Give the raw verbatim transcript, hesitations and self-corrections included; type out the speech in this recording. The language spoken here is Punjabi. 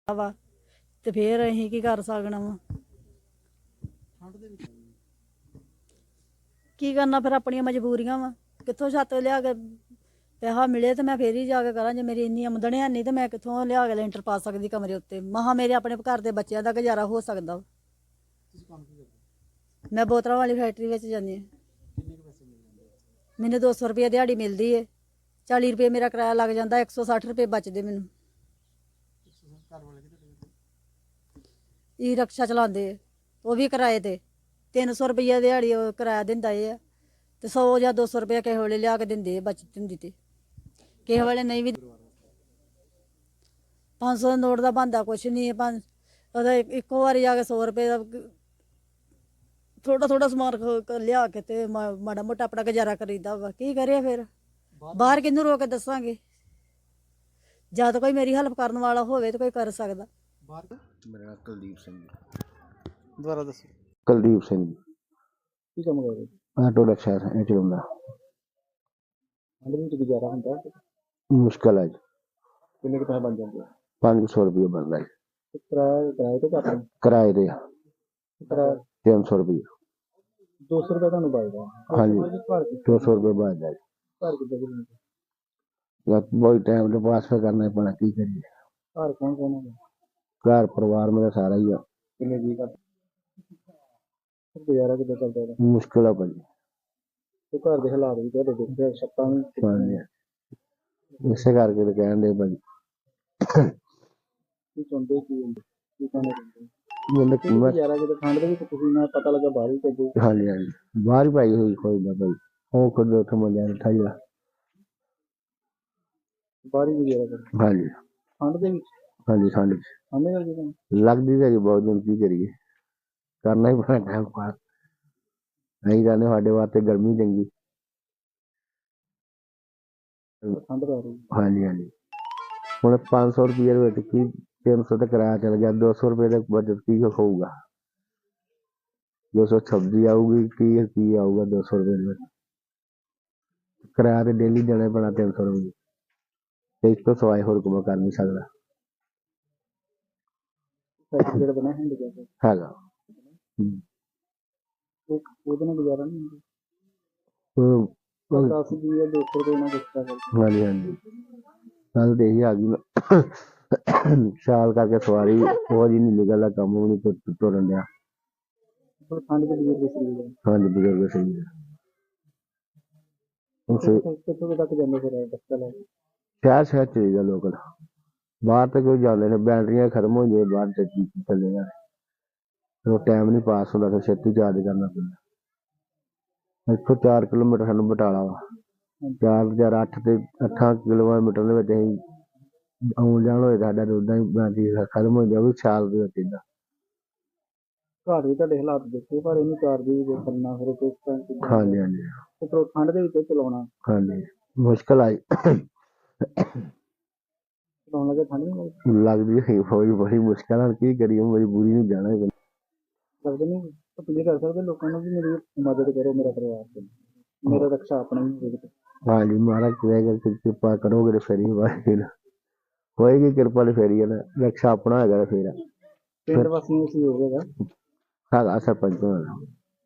ਵਾ ਤੇ ਫੇਰ ਅਸੀਂ ਕੀ ਕਰ ਸਕਣਾ ਵਾ। ਕੀ ਕਰਨਾ ਫਿਰ, ਆਪਣੀਆਂ ਮਜਬੂਰੀਆਂ ਵਾ। ਕਿੱਥੋਂ ਛੱਤ ਲਿਆ ਕੇ ਪੈਸਾ ਮਿਲੇ ਤੇ ਮੈਂ ਫੇਰ ਹੀ ਜਾ ਕੇ ਕਰਾਂ। ਜੇ ਮੇਰੀ ਇੰਨੀ ਆਮਦਨ ਹੈ ਨਹੀਂ ਤੇ ਮੈਂ ਕਿੱਥੋਂ ਲਿਆ ਕੇ ਲੈਂਟਰ ਪਾ ਸਕਦੀ ਕਮਰੇ ਉੱਤੇ। ਮਹਾ ਮੇਰੇ ਆਪਣੇ ਘਰ ਦੇ ਬੱਚਿਆਂ ਦਾ ਗੁਜ਼ਾਰਾ ਹੋ ਸਕਦਾ ਵਾ। ਮੈਂ ਬੋਤਲਾਂ ਵਾਲੀ ਫੈਕਟਰੀ ਵਿੱਚ ਜਾਂਦੀ ਹਾਂ। ਮੈਨੂੰ ਦੋ ਸੌ ਰੁਪਏ ਦਿਹਾੜੀ ਮਿਲਦੀ ਹੈ। ਚਾਲੀ ਰੁਪਏ ਮੇਰਾ ਕਿਰਾਇਆ ਲੱਗ ਜਾਂਦਾ, ਇੱਕ ਸੌ ਸੱਠ ਰੁਪਏ ਬਚਦੇ ਮੈਨੂੰ। ਈ ਰਕਸ਼ਾ ਚਲਾਉਂਦੇ, ਉਹ ਵੀ ਕਿਰਾਏ ਤੇ ਤਿੰਨ ਸੌ ਰੁਪਈਆ ਦਿਹਾੜੀ ਉਹ ਕਿਰਾਇਆ ਦਿੰਦਾ ਇਹ ਆ। ਤੇ ਸੌ ਜਾਂ ਦੋ ਸੌ ਰੁਪਇਆ ਕਿਸੇ ਵੇਲੇ ਲਿਆ ਕੇ ਦਿੰਦੇ ਬਚਤ ਹੁੰਦੀ ਤੇ ਕਿਸੇ ਵੇਲੇ ਨਹੀਂ ਵੀ। ਪੰਜ ਸੌ ਦਾ ਨੋਟ ਦਾ ਬਣਦਾ ਕੁਛ ਨਹੀਂ ਹੈ। ਪੰਜ ਉਹਦਾ ਇੱਕੋ ਵਾਰੀ ਜਾ ਕੇ ਸੌ ਰੁਪਏ ਦਾ ਥੋੜਾ ਥੋੜਾ ਸਮਾਨ ਲਿਆ ਕੇ ਤੇ ਮਾੜਾ ਮੋਟਾ ਆਪਣਾ ਗੁਜ਼ਾਰਾ ਕਰੀਦਾ ਵਾ। ਕੀ ਕਰਿਆ ਫਿਰ, ਬਾਹਰ ਕਿਹਨੂੰ ਰੋ ਕੇ ਦੱਸਾਂਗੇ। ਜਦ ਕੋਈ ਮੇਰੀ ਹੈਲਪ ਕਰਨ ਵਾਲਾ ਹੋਵੇ ਤਾਂ ਕੋਈ ਕਰ ਸਕਦਾ। ਮੇਰਾ ਨਾਮ ਕੁਲਦੀਪ ਸਿੰਘ ਜੀ। ਦੁਬਾਰਾ ਦੱਸੋ। ਕੁਲਦੀਪ ਸਿੰਘ ਜੀ। ਕੀ ਕੰਮ ਕਰਦੇ? ਆਟੋ ਰਿਕਸ਼ਾ ਇਹ ਚਲਾਉਂਦਾ। ਠੰਡ ਵਿੱਚ ਗੁਜ਼ਾਰਾ ਹੁੰਦਾ? ਮੁਸ਼ਕਿਲ ਹੈ ਜੀ। ਕਿੰਨੇ ਕੁ ਪੈਸੇ ਬਣ ਜਾਂਦੇ ਆ? ਪੰਜ ਸੌ ਰੁਪਏ ਬਣਦਾ ਜੀ। ਕਿਰਾਏ ਕਿਰਾਏ ਤੇ ਘੱਟ ਨੇ? ਕਿਰਾਏ ਦੇ ਕਿਰਾਇਆ ਤਿੰਨ ਸੌ ਰੁਪਏ। ਦੋ ਸੌ ਰੁਪਏ ਤੁਹਾਨੂੰ ਬਚਦਾ? ਹਾਂਜੀ, ਦੋ ਸੌ ਰੁਪਏ ਬਚਦਾ ਜੀ। ਘਰ ਕਿੱਦਾਂ ਦੇ? ਬਹੁਤ ਟਾਈਮ ਤੋਂ ਪਾਸ ਕਰਨਾ ਪੈਣਾ, ਕੀ ਕਰੀਏ। ਘਰ ਕੌਣ ਕੌਣ ਹੈ? ਘਰ ਪਰਿਵਾਰ ਮੇਰਾ ਸਾਰਾ ਹੀ ਆ। ਕਿੰਨੇ ਜੀ ਘਰ? ਗੁਜ਼ਾਰਾ ਕਿੱਦਾਂ ਚੱਲਦਾ ਇਹਦਾ? ਮੁਸ਼ਕਿਲ ਆ ਭਾਜੀ। ਤੇ ਘਰ ਦੇ ਹਾਲਾਤ ਵੀ ਤੁਹਾਡੇ ਦੇਖਦੇ, ਛੱਤਾਂ ਵੀ। ਹਾਂਜੀ, ਇਸੇ ਕਰਕੇ ਤਾਂ ਕਹਿਣ ਦੇ ਭਾਜੀ। ਕੀ ਚਾਹੁੰਦੇ ਕੀ ਕੀ ਕਹਿਣਾ ਚਾਹੁੰਦੇ? ਮੈਨੂੰ ਗੁਜ਼ਾਰਾ ਕਿਤੇ ਠੰਡ ਦੇ ਵਿੱਚ ਤੁਸੀਂ ਨਾ ਪਤਾ ਲੱਗਾ ਬਾਹਰ ਹੀ ਭੇਜੋ। ਹਾਂਜੀ ਹਾਂਜੀ, ਬਾਹਰ ਹੀ ਪਾਈ ਹੋਈ ਕੋਈ ਨਾ ਭਾਈ। ਉਹ ਖੁਦ ਉੱਥੇ ਮੰਜਾ ਬੈਠਾ ਜਿਹੜਾ ਬਾਹਰ ਹੀ ਗੁਜ਼ਾਰਾ ਕਰਦੇ? ਹਾਂਜੀ। ਠੰਡ ਦੇ ਵਿੱਚ? ਹਾਂਜੀ, ਠੰਡ ਚ ਠੰਡ ਕਰਕੇ ਤੁਹਾਨੂੰ ਲੱਗਦੀ ਤਾਂ ਜੀ ਬਹੁਤ ਦਿਨ। ਕੀ ਕਰੀਏ, ਕਰਨਾ ਹੀ ਪੈਣਾ ਟਾਈਮ ਪਾਸ। ਅਸੀਂ ਕਹਿੰਦੇ ਸਾਡੇ ਵਾਸਤੇ ਗਰਮੀ ਚੰਗੀ। ਠੰਡ ਪੈ ਰਹੀ? ਹਾਂਜੀ ਹਾਂਜੀ, ਹੁਣ ਪੰਜ ਸੌ ਰੁਪਏ ਦੇ ਵਿੱਚ ਕੀ ਤਿੰਨ ਸੌ ਦਾ ਕਿਰਾਇਆ ਚਲ ਗਿਆ। ਦੋ ਸੌ ਰੁਪਏ ਦਾ ਬਜਟ ਕੀ ਹੋਊਗਾ? ਦੋ ਸੌ ਸਬਜ਼ੀ ਆਊਗੀ, ਕੀ ਕੀ ਆਊਗਾ ਦੋ ਸੌ ਰੁਪਏ ਦੇ ਵਿੱਚ? ਕਿਰਾਇਆ ਤੇ ਡੇਲੀ ਦੇਣਾ ਪੈਣਾ ਤਿੰਨ ਸੌ ਰੁਪਏ। ਤੇ ਇਸ ਤੋਂ ਸਿਵਾਏ ਹੋਰ ਕੋਈ ਕਰ ਨਹੀਂ ਸਕਦਾ ਸਰਟੀਫਿਕੇਟ ਬਣਿਆ ਹੁੰਦਾ ਹੈਗਾ। ਉਹਦੇ ਨਾਲ ਗੁਜ਼ਾਰਾ ਨਹੀਂ ਹੁੰਦਾ? ਉਹ ਦਸ ਵੀਹ ਜਾਂ ਦੋ ਸੌ ਰੁਪਏ ਨਾਲ ਗੁਜ਼ਾਰਾ ਕਰਦੇ? ਹਾਂਜੀ ਹਾਂਜੀ, ਗੱਲ ਤੇ ਇਹੀ ਆ ਗਈ। ਸਿਆਲ ਕਰਕੇ ਸਵਾਰੀ ਉਹ ਜੀ ਨਹੀਂ ਨਿਕਲਦਾ, ਕੰਮ ਵੀ ਨਹੀਂ ਤੁਰਨ ਡਿਆ। ਠੰਡ ਦੇ ਬਜ਼ੁਰਗ ਸਹੀ ਹੈ? ਹਾਂਜੀ, ਬਜ਼ੁਰਗ ਸਹੀ ਹੈ। ਕਿੱਥੋਂ ਤੱਕ ਜਾਂਦੇ ਫਿਰ ਰਿਕਸ਼ਾ ਲੈ ਕੇ? ਸ਼ਹਿਰ ਸ਼ਹਿਰ ਚਾਹੀਦਾ ਲੋਕਲ। ਬਾਹਰ ਤੇ ਕੋਈ ਜਾਂਦੇ ਨੇ, ਬੈਟਰੀਆਂ ਖਤਮ ਹੋ ਜਾਏ ਬਾਹਰ ਚੱਲੀ ਚੱਲੇ ਜਾਣ। ਫਿਰ ਉਹ ਟਾਈਮ ਨਹੀਂ ਪਾਸ ਹੁੰਦਾ, ਫਿਰ ਛੇਤੀ ਚਾਰਜ ਕਰਨਾ ਪੈਂਦਾ। ਇੱਥੋਂ ਚਾਰ ਕਿਲੋਮੀਟਰ ਸਾਨੂੰ ਬਟਾਲਾ ਵਾ। ਚਾਰ ਹਜ਼ਾਰ ਅੱਠ ਤੇ ਅੱਠਾਂ ਕਿਲੋਮੀਟਰ ਦੇ ਵਿੱਚ ਅਸੀਂ ਆਉਣ ਜਾਣ ਹੋਏ ਸਾਡਾ ਉਦਾਂ ਹੀ ਬੈਟਰੀ ਖਤਮ ਹੋ ਗਿਆ। ਵੀ ਸਿਆਲ ਦੇ ਵਿੱਚ ਏਦਾਂ। ਘਰ ਵੀ ਤੁਹਾਡੇ ਹਾਲਾਤ ਦੇਖੇ, ਪਰ ਇਹਨੂੰ ਚਾਰਜ ਵੀ ਕਰਨਾ ਫਿਰ ਕਿਸ ਤਰ੍ਹਾਂ? ਹਾਂਜੀ ਹਾਂਜੀ, ਤੇ ਠੰਡ ਦੇ ਵਿੱਚ ਚਲਾਉਣਾ? ਹਾਂਜੀ, ਮੁਸ਼ਕਿਲ ਆਈ ਚਲਾਉਣ ਲੱਗੇ ਠੰਡ ਨਹੀਂ ਲੱਗਦੀ? ਲੱਗਦੀ ਹੈ ਬੜੀ ਬੜੀ ਮੁਸ਼ਕਿਲ ਨਾਲ। ਕੀ ਕਰੀਏ, ਮਜਬੂਰੀ ਨੂੰ ਜਾਣਾ ਹੀ ਲੱਗਦੇ ਨਹੀਂ ਤੁਸੀਂ ਕਰ ਸਕਦੇ ਲੋਕਾਂ ਨੂੰ ਵੀ ਮੇਰੀ ਮਦਦ ਕਰੋ, ਮੇਰਾ ਪਰਿਵਾਰ ਤੇ ਮੇਰਾ ਰਕਸ਼ਾ ਆਪਣਾ ਹੀ ਹੋਵੇ। ਹਾਂਜੀ, ਮਹਾਰਾਜ ਕਿਰਪਾ ਕਰੋਗੇ ਤੇ ਫਿਰ ਹੀ ਹੋਏਗੀ ਕਿਰਪਾ ਤੇ ਫਿਰ ਹੀ ਹੈ ਨਾ। ਰਕਸ਼ਾ ਆਪਣਾ ਹੈਗਾ ਫੇਰ ਪਿੰਡ ਵਾਸੀਆਂ ਨੂੰ ਸਹਿਯੋਗ ਹੈਗਾ? ਹੈਗਾ ਸਰਪੰਚ ਹੋਣਾ।